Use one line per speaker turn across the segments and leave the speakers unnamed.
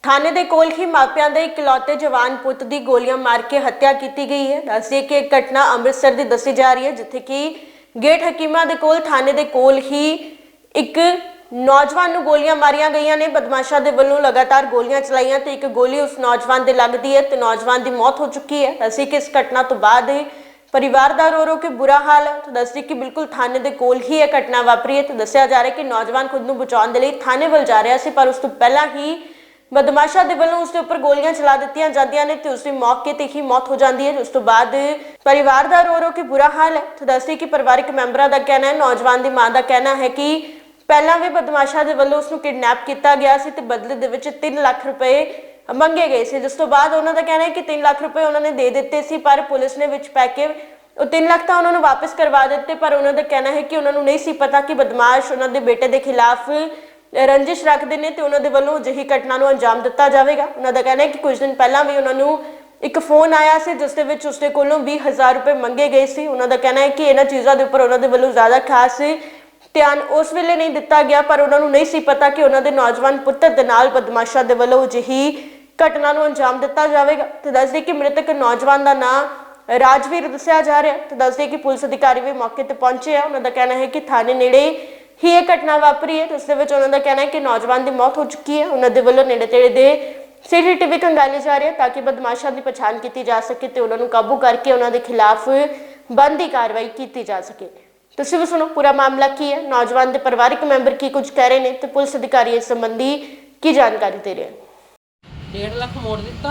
थाने ਦੇ ਕੋਲ ਹੀ ਮਾਪਿਆਂ ਦੇ ਇਕਲੌਤੇ ਜਵਾਨ ਪੁੱਤ ਦੀ ਗੋਲੀਆਂ ਮਾਰ ਕੇ ਹੱਤਿਆ ਕੀਤੀ ਗਈ ਹੈ। ਦੱਸਿए ਕਿ ਇਹ ਘਟਨਾ ਅੰਮ੍ਰਿਤਸਰ ਦੀ ਦੱਸੀ ਜਾ ਰਹੀ ਹੈ, ਜਿੱਥੇ ਕਿ ਗੇਟ ਹਕੀਮਾਂ ਦੇ ਕੋਲ ਥਾਣੇ ਦੇ ਕੋਲ ਹੀ ਇੱਕ ਨੌਜਵਾਨ ਨੂੰ ਗੋਲੀਆਂ ਮਾਰੀਆਂ ਗਈਆਂ ਨੇ। ਬਦਮਾਸ਼ਾਂ ਦੇ ਵੱਲੋਂ ਲਗਾਤਾਰ ਗੋਲੀਆਂ ਚਲਾਈਆਂ ਤੇ ਇੱਕ ਗੋਲੀ ਉਸ ਨੌਜਵਾਨ ਦੇ ਲੱਗਦੀ ਹੈ ਤੇ ਨੌਜਵਾਨ ਦੀ ਮੌਤ ਹੋ ਚੁੱਕੀ ਹੈ। ਦੱਸਿए कि इस घटना तो बाद परिवार का रो रो के बुरा हाल है। तो दसिए कि बिल्कुल थाने के कोल ही यह घटना वापरी है। तो दसिया जा रहा है कि नौजवान खुद को बचाने के लिए थाने वल जा रहा सी, पर उस तो पहला ही बदमाशा के वालों उसके उपर गोलियां चला दी जांदियां ने ते उसकी मौके ते ही मौत हो जाती है। उस तो बाद परिवार का रो रो के बुरा हाल है। तो दसिए कि परिवारक मैंबरों का कहना है, नौजवान की मां का कहना है कि पहला भी बदमाशा के वालों उसको किडनैप किया गया सी ते बदले दे विच 3 लाख रुपए मंगे गए थे, जिस तो बाद उन्होंने कहना है कि 3 लाख रुपए उन्होंने दे दिते सी, पर पुलिस ने विच पै के 3 लाख तो उन्होंने वापस करवा दिते। पर उन्होंने कहना है कि उन्होंने नहीं सी पता कि बदमाश उन्होंने बेटे के खिलाफ रंजिश रखते हैं तो उन्होंने वालों अजिही घटना को अंजाम दिता जाएगा। उन्होंने कहना है कि कुछ दिन पहला भी उन्होंने एक फोन आया से जिस उसके कोलों 20,000 रुपए मंगे गए थे। उन्होंने कहना है कि इन्होंने चीज़ों के उपर उन्होंने वालों ज़्यादा खास ध्यान उस वेले नहीं दिता गया, पर उन्होंने नहीं सी पता कि उन्होंने नौजवान पुत्र के नाल बदमाशा के वालों अजिही घटना को अंजाम दिता जाएगा। तो दस दी कि मृतक नौजवान का नाम राजवीर दसिया जा रहा है। तो दस दी कि पुलिस अधिकारी भी मौके पर पहुंचे हैं। उन्होंने कहना है कि थाने नेड़े ही यह घटना वापरी है। तो उसके उन्होंने कहना है कि नौजवान की मौत हो चुकी है। उन्होंने वालों नेड़े तेड़े दे CCTV खंगाले जा रहे हैं ताकि बदमाशा की पछाण की जा सके तो उन्होंने काबू करके उन्होंने खिलाफ बनती कार्रवाई की जा सके। तुसीं भी सुनो पूरा मामला की है, नौजवान के परिवारक मैंबर की कुछ कह रहे हैं तो पुलिस अधिकारी इस संबंधी की जानकारी दे रहे हैं।
1.5 लाख मोड़ दिता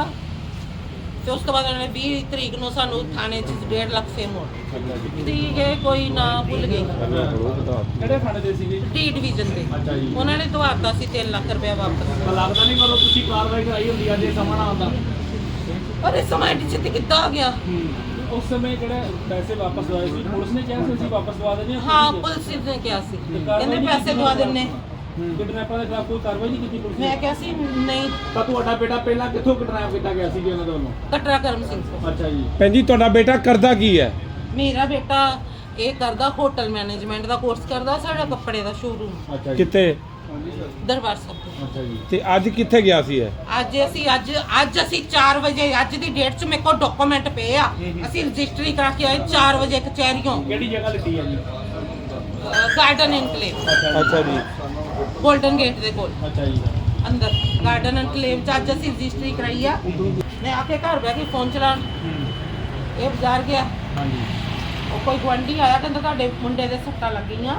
ਤੇ ਉਸ ਤੋਂ ਬਾਅਦ ਉਹਨੇ 20 ਤਰੀਕ ਨੂੰ ਸਾਨੂੰ ਥਾਣੇ 'ਚ 1.5 ਲੱਖ ਫੇਰ ਮੋੜ ਠੀਕ ਹੈ, ਕੋਈ ਨਾ ਭੁੱਲ ਗਈ।
ਕਿਹੜੇ ਥਾਣੇ ਦੇ ਸੀਗੇ?
ਡੀ ਡਿਵੀਜ਼ਨ ਦੇ।
ਅੱਛਾ ਜੀ।
ਉਹਨਾਂ ਨੇ ਦਵਾਤਾ ਸੀ 3 ਲੱਖ ਰੁਪਏ ਵਾਪਸ।
ਲੱਗਦਾ ਨਹੀਂ ਕਰੋ ਤੁਸੀਂ ਕਾਰਵਾਈ ਕਰਾਈ ਹੁੰਦੀ ਅੱਜ ਇਹ ਸਮਾਂ ਨਾ ਆਉਂਦਾ।
ਪਰ ਇਸ ਸਮਾਂ ਡੀ ਤੇ ਕਿੱਦਾਂ ਆ ਗਿਆ?
ਉਸ ਸਮੇਂ ਜਿਹੜੇ ਪੈਸੇ ਵਾਪਸ ਦਵਾਏ ਸੀ ਪੁਲਿਸ ਨੇ ਕਿਹਾ ਸੀ ਅਸੀਂ ਵਾਪਸ ਦਵਾ ਦੇਣੇ।
ਹਾਂ ਪੁਲਿਸ ਨੇ ਕਿਹਾ ਸੀ, ਕਹਿੰਦੇ ਪੈਸੇ ਦਵਾ ਦਿੰਨੇ।
ਕਿਡਨੈਪਰ ਦੇ ਖਿਲਾਫ ਕੋਈ ਕਾਰਵਾਈ ਨਹੀਂ ਕੀਤੀ ਪੁਲਿਸ ਨੇ?
ਮੈਂ ਕਿਹਾ ਸੀ ਨਹੀਂ।
ਤਾਂ ਤੁਹਾਡਾ ਬੇਟਾ ਪਹਿਲਾਂ ਕਿੱਥੋਂ ਕਿਡਨੈਪ ਕੀਤਾ ਗਿਆ ਸੀ ਉਹਨਾਂ ਦੇ ਵੱਲੋਂ?
ਕਟਰਾ ਕਰਮ ਸਿੰਘ ਤੋਂ।
ਅੱਛਾ ਜੀ।
ਭੈਣ ਜੀ ਤੁਹਾਡਾ ਬੇਟਾ ਕਰਦਾ ਕੀ ਹੈ?
ਮੇਰਾ ਬੇਟਾ ਇਹ ਕਰਦਾ ਹੋਟਲ ਮੈਨੇਜਮੈਂਟ ਦਾ ਕੋਰਸ ਕਰਦਾ, ਸਾਡਾ ਕੱਪੜੇ ਦਾ ਸ਼ੋਰੂਮ।
ਅੱਛਾ ਜੀ।
ਕਿੱਥੇ?
ਦਰਬਾਰ ਸਾਹਿਬ।
ਅੱਛਾ ਜੀ।
ਤੇ ਅੱਜ ਕਿੱਥੇ ਗਿਆ ਸੀ ਇਹ?
ਅੱਜ ਅਸੀਂ 4 ਵਜੇ, ਅੱਜ ਦੀ ਡੇਟ 'ਚ ਮੇਰੇ ਕੋਲ ਡਾਕੂਮੈਂਟ ਪਏ ਆ। ਅਸੀਂ ਰਜਿਸਟਰੀ ਕਰਾ ਕੇ ਆਏ 4 ਵਜੇ ਕਚਹਿਰੀਓਂ।
ਕਿਹੜੀ ਜਗ੍ਹਾ ਲਿੱਤੀ ਹੈ ਜੀ?
Garden Enclave.
ਅੱਛਾ ਜੀ।
ਗੋਲਡਨ ਗੇਟ ਦੇ ਕੋਲ
ਅੱਛਾ ਜੀ।
ਅੰਦਰ ਗਾਰਡਨ ਇਨਕਲੇਵ 'ਚ ਅੱਜ ਅਸੀਂ ਰਜਿਸਟਰੀ ਕਰਾਈ ਆ। ਮੈਂ ਆ ਕੇ ਘਰ ਬਹਿ ਕੇ ਫੋਨ ਚਲਾਉਣ ਇਹ ਬਾਜ਼ਾਰ ਗਿਆ।
ਹਾਂਜੀ।
ਉਹ ਕੋਈ ਗੁਆਂਢੀ ਆਇਆ, ਕਹਿੰਦਾ ਤੁਹਾਡੇ ਮੁੰਡੇ ਦੇ ਸੱਟਾਂ ਲੱਗੀਆਂ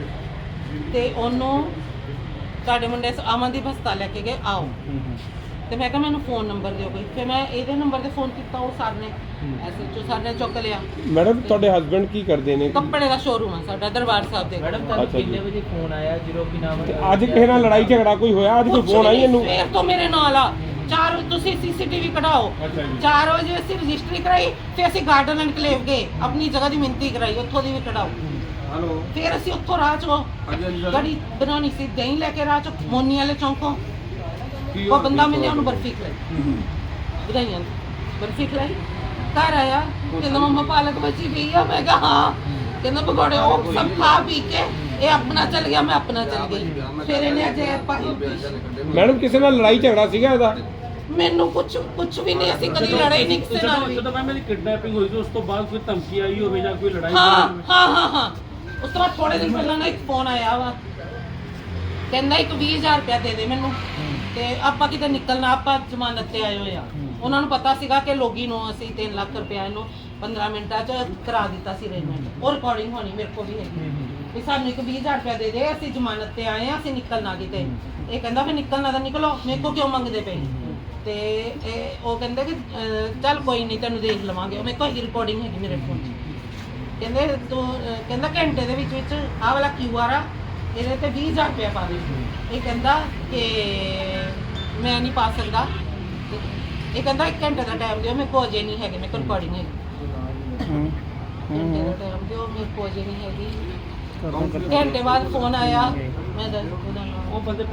ਤੇ ਉਹਨੂੰ ਤੁਹਾਡੇ ਮੁੰਡੇ ਅਮਨਦੀਪ ਹਸਪਤਾਲ ਲੈ ਕੇ ਗਏ, ਆਓ। ਤੇ ਮੈਂ ਕਿਹਾ ਮੈਨੂੰ ਫੋਨ ਨੰਬਰ ਦਿਓ ਕੋਈ। ਫਿਰ ਮੈਂ ਇਹਦੇ ਨੰਬਰ ਤੇ ਫੋਨ ਕੀਤਾ, ਉਹ ਸਰ ਨੇ SHO ਸਰ ਨੇ ਚੁੱਕ ਲਿਆ।
ਮੈਡਮ ਤੁਹਾਡੇ ਹਸਬੰਡ ਕੀ ਕਰਦੇ ਨੇ?
ਕੱਪੜੇ ਦਾ ਸ਼ੋਰੂਮ ਆ ਸਾਡਾ ਦਰਬਾਰ ਸਾਹਿਬ ਦੇ।
ਮੈਡਮ ਤੁਹਾਨੂੰ ਕਿੰਨੇ ਵਜੇ ਫੋਨ ਆਇਆ ਜਦੋਂ ਕਿ ਨਾਮ
ਤੇ ਅੱਜ ਕਿਸੇ ਨਾਲ ਲੜਾਈ ਝਗੜਾ ਕੋਈ ਹੋਇਆ? ਅੱਜ ਕੋਈ ਫੋਨ ਆਈ ਇਹਨੂੰ?
ਸਵੇਰ ਤੋਂ ਮੇਰੇ ਨਾਲ ਆ 4 ਤੁਸੀਂ CCTV ਕਢਾਓ। 4 ਵਜੇ ਅਸੀਂ ਰਜਿਸਟਰੀ ਕਰਾਈ, ਫਿਰ ਅਸੀਂ ਗਾਰਡਨ ਐਨਕਲੇਵ ਗਏ, ਆਪਣੀ ਜਗ੍ਹਾ ਦੀ ਮਿੰਤੀ ਕਰਾਈ, ਉੱਥੋਂ ਦੀ ਵੀ ਕਢਾਓ। ਫਿਰ ਅਸੀਂ ਉੱਥੋਂ ਰਾਹ ਚੋਂ ਗੜੀ ਬਣਾਉਣੀ ਸੀ, ਦਹੀਂ ਲੈ ਕੇ ਰਾਹ ਚੋਂ ਮੋਨੀ ਵਾਲੇ ਚੌਂਕੋਂ ਉਹ ਬੰਦਾ ਮਿਲਿਆ, ਉਹਨੂੰ ਬਰਫੀ ਖਲਾਈ, ਵਧਾਈਆਂ ਬਰਫੀ ਖਲਾਈ। ਘਰ ਆਇਆ, ਕਹਿੰਦਾ ਮੰਮਾ ਪਾਲਕ ਬਚੀ ਪਈ ਆ। ਮੈਂ ਕਿਹਾ ਹਾਂ। ਕਹਿੰਦਾ ਪਕੌੜੇ ਉਹ ਸਭ ਖਾ ਪੀ ਕੇ ਇਹ ਆਪਣਾ ਚੱਲ ਗਿਆ, ਮੈਂ ਆਪਣਾ ਚੱਲ ਗਈ। ਫਿਰ ਇਹਨੇ ਅਜੇ
ਮੈਡਮ ਕਿਸੇ ਨਾਲ ਲੜਾਈ ਝਗੜਾ ਸੀਗਾ ਇਹਦਾ?
ਮੈਨੂੰ ਕੁਝ ਵੀ ਨਹੀਂ, ਅਸੀਂ ਕਦੀ ਲੜਾਈ ਨਹੀਂ ਕਿਸੇ ਨਾਲ ਵੀ।
ਜਦੋਂ ਮੇਰੀ ਕਿਡਨੈਪਿੰਗ ਹੋਈ ਸੀ ਉਸ ਤੋਂ ਬਾਅਦ ਕੋਈ ਧਮਕੀ ਆਈ ਹੋਵੇ ਜਾਂ ਕੋਈ ਲੜਾਈ?
ਹਾਂ। ਉਸ ਤੋਂ ਬਾਅਦ ਥੋੜੇ ਦਿਨ ਪਹਿਲਾਂ ਨਾ ਇੱਕ ਫੋਨ ਆਇਆ ਵਾ, ਕਹਿੰਦਾ ਇੱਕ 20,000 ਰੁਪਇਆ ਦੇ ਦੇ ਮੈਨੂੰ ਤੇ ਆਪਾਂ ਕਿਤੇ ਨਿਕਲਣਾ, ਆਪਾਂ ਜ਼ਮਾਨਤ ਤੇ ਆਏ ਹੋਏ ਆ। ਉਹਨਾਂ ਨੂੰ ਪਤਾ ਸੀਗਾ ਕਿ ਲੋਗੀ ਨੂੰ ਅਸੀਂ 3 ਲੱਖ ਰੁਪਇਆ ਇਹਨੂੰ 15 ਮਿੰਟਾਂ 'ਚ ਕਰਾ ਦਿੱਤਾ ਸੀ ਅਰੇਂਜਮੈਂਟ। ਉਹ ਰਿਕਾਰਡਿੰਗ ਹੋਣੀ ਮੇਰੇ ਕੋਲ ਵੀ ਹੈਗੀ ਵੀ ਸਾਨੂੰ ਇੱਕ 20,000 ਰੁਪਇਆ ਦੇ ਦੇ, ਅਸੀਂ ਜ਼ਮਾਨਤ ਤੇ ਆਏ ਆ, ਅਸੀਂ ਨਿਕਲਣਾ ਕਿਤੇ। ਇਹ ਕਹਿੰਦਾ ਫਿਰ ਨਿਕਲਣਾ ਤਾਂ ਨਿਕਲੋ, ਮੇਰੇ ਕੋਲ ਕਿਉਂ ਮੰਗਦੇ ਪਏ? ਤੇ ਉਹ ਕਹਿੰਦੇ ਕਿ ਚੱਲ ਕੋਈ ਨਹੀਂ ਤੈਨੂੰ ਦੇਖ ਲਵਾਂਗੇ। ਉਹ ਮੇਰੇ ਕੋਲ ਰਿਕਾਰਡਿੰਗ ਹੈਗੀ ਮੇਰੇ ਫੋਨ 'ਚ। ਕਹਿੰਦੇ ਤੂੰ ਕਹਿੰਦਾ ਘੰਟੇ ਦੇ ਵਿੱਚ ਆਹ ਵਾਲਾ QR ਆ, ਇਹਦੇ ਤੇ 20,000 ਰੁਪਇਆ ਪਾ ਦੇ। ਇਹ ਕਹਿੰਦਾ ਕਿ ਮੈਂ ਨਹੀਂ ਪਾ ਸਕਦਾ। ਇਹ ਕਹਿੰਦਾ 1 ਘੰਟੇ ਦਾ ਟਾਈਮ ਦਿਓ, ਮੇਰੇ ਕੋਲ ਅਜੇ ਨਹੀਂ ਹੈਗੇ, ਮੇਰੇ ਕੋਲ ਰਿਕਾਰਡਿੰਗ ਹੈਗੀ। ਘੰਟੇ ਦਾ ਟਾਈਮ ਦਿਓ, ਮੇਰੇ ਕੋਲ ਅਜੇ ਨਹੀਂ ਹੈਗੀ। ਘੰਟੇ ਬਾਅਦ ਫੋਨ ਆਇਆ, ਮੈਂ ਉਹਦਾ ਨਾਮ
ਉਹ ਬੰਦੇ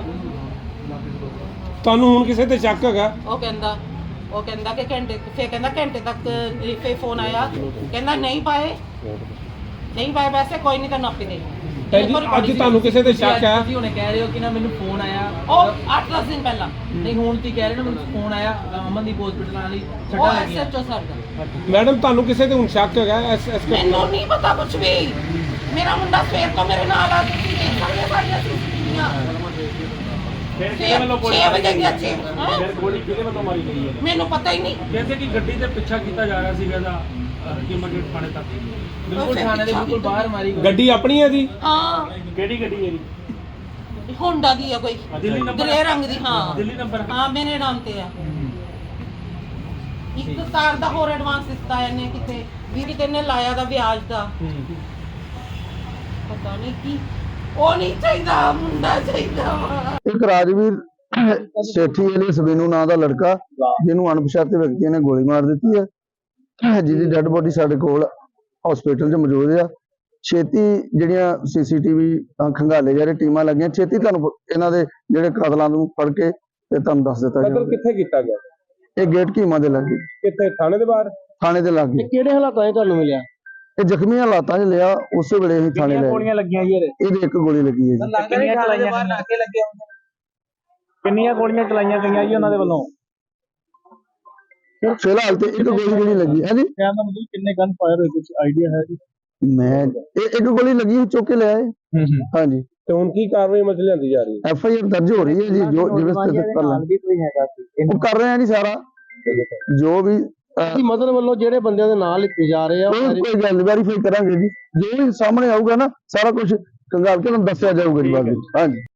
ਤੁਹਾਨੂੰ ਹੁਣ ਕਿਸੇ ਤੇ ਸ਼ੱਕ ਹੈਗਾ?
ਉਹ ਕਹਿੰਦਾ ਕਿ ਘੰਟੇ, ਫਿਰ ਕਹਿੰਦਾ ਘੰਟੇ ਤੱਕ ਫੇਰ ਫੋਨ ਆਇਆ, ਕਹਿੰਦਾ ਨਹੀਂ ਪਾਏ ਵੈਸੇ ਕੋਈ ਨਹੀਂ, ਤੈਨੂੰ ਆਪੇ ਦੇ
ਭੈਣ ਜੀ ਅੱਜ ਤੁਹਾਨੂੰ ਕਿਸੇ ਤੇ ਸ਼ੱਕ ਹੈ?
ਤੁਸੀਂ ਹੁਣੇ ਕਹਿ ਰਹੇ ਹੋ ਕਿ ਨਾ ਮੈਨੂੰ ਫੋਨ ਆਇਆ
ਉਹ 8-10 ਦਿਨ ਪਹਿਲਾਂ
ਨਹੀਂ ਹੁਣ ਤੁਸੀਂ ਕਹਿ ਰਹੇ ਹੋ ਨਾ ਮੈਨੂੰ ਫੋਨ ਆਇਆ ਅਮਨਦੀਪ ਹਸਪੀਟਲ ਵਾਲੀ
ਉਹ
ਛੱਡਾ ਲੱਗੀਆਂ
ਐਸਐਚਓ ਸਰ ਦਾ।
ਮੈਡਮ ਤੁਹਾਨੂੰ ਕਿਸੇ ਤੇ ਹੁਣ ਸ਼ੱਕ ਹੈਗਾ
ਮੈਨੂੰ ਨਹੀਂ ਪਤਾ ਕੁਝ ਵੀ। ਮੇਰਾ ਮੁੰਡਾ ਸਵੇਰ ਤੋਂ ਮੇਰੇ ਨਾਲ ਆ, ਤੁਸੀਂ ਦੇਖ ਸਕਦੇ ਹੋ ਸਾਡੀਆਂ ਸੀਸੀਟੀਵੀਆਂ।
ਫਿਰ ਕਿਹਦੇ ਵੱਲੋਂ ਗੋਲੀ
6 ਵਜੇ ਦੀ ਅੱਛੀ
ਫਿਰ ਗੋਲੀ ਕਿਹਦੇ ਵੱਲੋਂ ਮਾਰੀ ਗਈ ਹੈ?
ਮੈਨੂੰ ਪਤਾ ਹੀ ਨਹੀਂ।
ਕਹਿੰਦੇ ਕਿ ਗੱਡੀ ਤੇ ਪਿੱਛਾ ਕੀਤਾ ਜਾ ਰਿਹਾ ਸੀਗਾ ਇਹਦਾ ਹਕੀਮਾ ਗੇਟ ਥਾਣੇ ਤੱਕ।
ਬਿਲਕੁਲ ਥਾਣੇ ਦੇ ਬਿਲਕੁਲ ਬਾਹਰ ਮਾਰੀ ਗਈ।
ਗੱਡੀ ਆਪਣੀ ਹੈ ਜੀ?
ਹਾਂ
ਕਿਹੜੀ ਗੱਡੀ ਹੈ ਜੀ?
ਹੋਂਡਾ ਦੀ ਆ ਕੋਈ
ਦਿੱਲੀ ਨੰਬਰ?
ਗ੍ਰੇ ਰੰਗ ਦੀ। ਹਾਂ
ਦਿੱਲੀ ਨੰਬਰ?
ਹਾਂ ਮੇਰੇ ਨਾਮ ਤੇ ਆ। ਇੱਕ ਕਾਰ ਦਾ ਹੋਰ ਐਡਵਾਂਸ ਦਿੱਤਾ ਇਹਨੇ, ਕਿਤੇ ਵੀ ਕਿਤੇ ਨੇ ਲਾਇਆ ਦਾ ਵਿਆਜ ਦਾ, ਪਤਾ ਨਹੀਂ ਕੀ। ਉਹ ਨਹੀਂ ਚਾਹੀਦਾ, ਮੁੰਡਾ ਚਾਹੀਦਾ ਵਾ।
ਇੱਕ ਰਾਜਵੀਰ ਸੇਠੀ ਵਾਲੇ ਸਬੀਨੂ ਨਾਂ ਦਾ ਲੜਕਾ ਜਿਹਨੂੰ ਅਣਪਛਾਤੇ ਵਿਅਕਤੀਆਂ ਨੇ ਗੋਲੀ ਮਾਰ ਦਿੱਤੀ ਹੈ, ਜਿਹਦੀ ਡੈੱਡ ਬੋਡੀ ਸਾਡੇ ਕੋਲ ਹਸਪੀਟਲ 'ਚ ਮੌਜੂਦ ਆ। ਛੇਤੀ ਜਿਹੜੀਆਂ ਸੀਸੀਟੀਵੀ ਖੰਗਾਲੇ ਜਾ ਰਹੇ ਟੀਮਾਂ ਲੱਗੀਆਂ, ਛੇਤੀ ਤੁਹਾਨੂੰ ਇਹਨਾਂ ਦੇ ਜਿਹੜੇ ਕਾਤਲਾਂ ਨੂੰ ਫੜ ਕੇ ਤੇ ਤੁਹਾਨੂੰ ਦੱਸ ਦਿੱਤਾ
ਕਤਲ
ਜਾਊਗਾ।
ਕਿੱਥੇ ਕੀਤਾ ਗਿਆ?
ਇਹ ਗੇਟ ਕੀਮਾ ਦੇ ਲੱਗੇ,
ਕਿੱਥੇ? ਥਾਣੇ ਦੇ ਬਾਹਰ?
ਥਾਣੇ ਦੇ ਲਾਗੇ।
ਕਿਹੜੇ ਹਾਲਾਤਾਂ 'ਚ ਤੁਹਾਨੂੰ ਮਿਲਿਆ?
ਇਹ ਜ਼ਖਮੀ ਹਾਲਾਤਾਂ 'ਚ ਲਿਆ, ਉਸੇ ਵੇਲੇ ਹੀ ਥਾਣੇ ਲੈ
ਗੋਲੀਆਂ ਲੱਗੀਆਂ ਜੀ ਇਹਦੇ?
ਇਹਦੇ ਇੱਕ ਗੋਲੀ ਲੱਗੀ ਹੈ ਜੀ।
ਕਿੰਨੀਆਂ ਚਲਾਈਆਂ ਗਈਆਂ? ਕਿੰਨੀਆਂ ਗੋਲੀਆਂ ਚਲਾਈਆਂ ਗਈਆਂ ਜੀ ਉਹਨਾਂ ਦੇ ਵੱਲੋਂ?
ਫਿਲਹਾਲ ਤੇ ਇੱਕ ਗੋਲੀ ਜਿਹੜੀ ਲੱਗੀ ਹੈ ਜੀ।
ਕਹਿਣ ਦਾ ਮਤਲਬ ਕਿੰਨੇ ਗਨ ਫਾਇਰ ਹੋਏ, ਕੁਝ ਆਈਡੀਆ ਹੈ ਜੀ?
ਮੈਂ ਇਹ ਇੱਕ ਗੋਲੀ ਲੱਗੀ ਚੁੱਕ ਕੇ ਲਿਆਏ। ਹਾਂਜੀ,
ਤੇ ਹੁਣ ਕੀ ਕਾਰਵਾਈ ਮਸਲੇ ਲਿਆਂਦੀ ਜਾ ਰਹੀ ਹੈ?
FIR ਦਰਜ ਹੋ ਰਹੀ ਹੈ ਜੀ। ਜੋ ਜਿਵੇਂ ਸਥਿਤ ਕਰ ਲੈਣ ਉਹ ਕਰ ਰਹੇ ਆ ਜੀ ਸਾਰਾ ਜੋ ਵੀ
ਕੀ ਮਦਦ ਵੱਲੋਂ ਜਿਹੜੇ ਬੰਦਿਆਂ ਦੇ ਨਾਂ ਲਿਖੇ ਜਾ ਰਹੇ ਆ
ਕੋਈ ਗੱਲ ਵੈਰੀਫਾਈ ਕਰਾਂਗੇ ਜੀ। ਜੋ ਵੀ ਸਾਹਮਣੇ ਆਊਗਾ ਨਾ ਸਾਰਾ ਕੁਝ ਕੰਗਾਲ ਕੇ ਤੁਹਾਨੂੰ ਦੱਸਿਆ ਜਾਊਗਾ ਜੀ ਬਾਅਦ ਵਿੱਚ। ਹਾਂਜੀ।